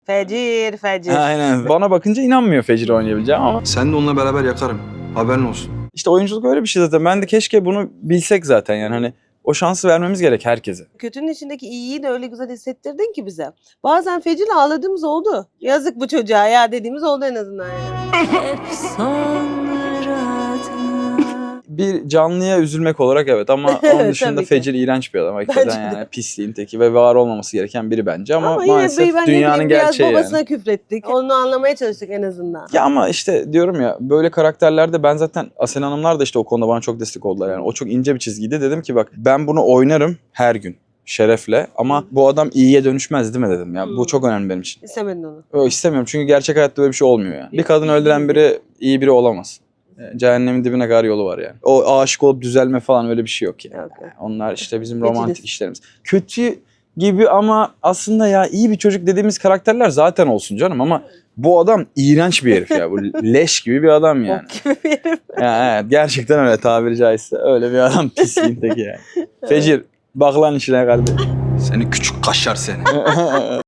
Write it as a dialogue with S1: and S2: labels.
S1: Fecir, fecir.
S2: Aynen. Bana bakınca inanmıyor Fecir oynayabileceğim ama
S3: Sen de onunla beraber yakarım. Haberin olsun.
S2: işte oyunculuk öyle bir şey zaten. Ben de keşke bunu bilsek zaten yani hani o şansı vermemiz gerek herkese.
S1: Kötünün içindeki iyiyi de öyle güzel hissettirdin ki bize. Bazen fecirle ağladığımız oldu. Yazık bu çocuğa ya dediğimiz oldu en azından yani.
S2: Bir canlıya üzülmek olarak evet ama onun dışında
S1: Tabii ki.
S2: Fecir iğrenç bir adam. Hakikaten
S1: Bence de.
S2: yani pisliğin teki ve var olmaması gereken biri bence ama
S1: Ama yine
S2: maalesef
S1: ben
S2: dünyanın
S1: biraz
S2: gerçeği
S1: babasına
S2: yani.
S1: küfrettik. Onu anlamaya çalıştık en azından.
S2: Ya ama işte diyorum ya böyle karakterlerde ben zaten Asena Hanımlar da işte o konuda bana çok destek oldular yani. O çok ince bir çizgiydi. Dedim ki bak ben bunu oynarım her gün şerefle ama bu adam iyiye dönüşmez değil mi dedim ya. Bu çok önemli benim için.
S1: İstemedin onu.
S2: İstemiyorum çünkü gerçek hayatta böyle bir şey olmuyor yani. Bir kadın öldüren biri iyi biri olamaz. Cehennemin dibine kadar yolu var yani. O aşık olup düzelme falan öyle bir şey yok yani.
S1: Yok, yok.
S2: Onlar işte bizim
S1: Geçiniz.
S2: romantik işlerimiz. Kötü gibi ama aslında ya iyi bir çocuk dediğimiz karakterler zaten olsun canım ama bu adam iğrenç bir herif ya. Bu leş gibi bir adam yani.
S1: Bok gibi bir herif.
S2: Ya evet, gerçekten öyle tabiri caizse. Öyle bir adam pisliğin teki yani. Fecir bak lan işine kardeşim.
S3: Seni küçük kaşar seni.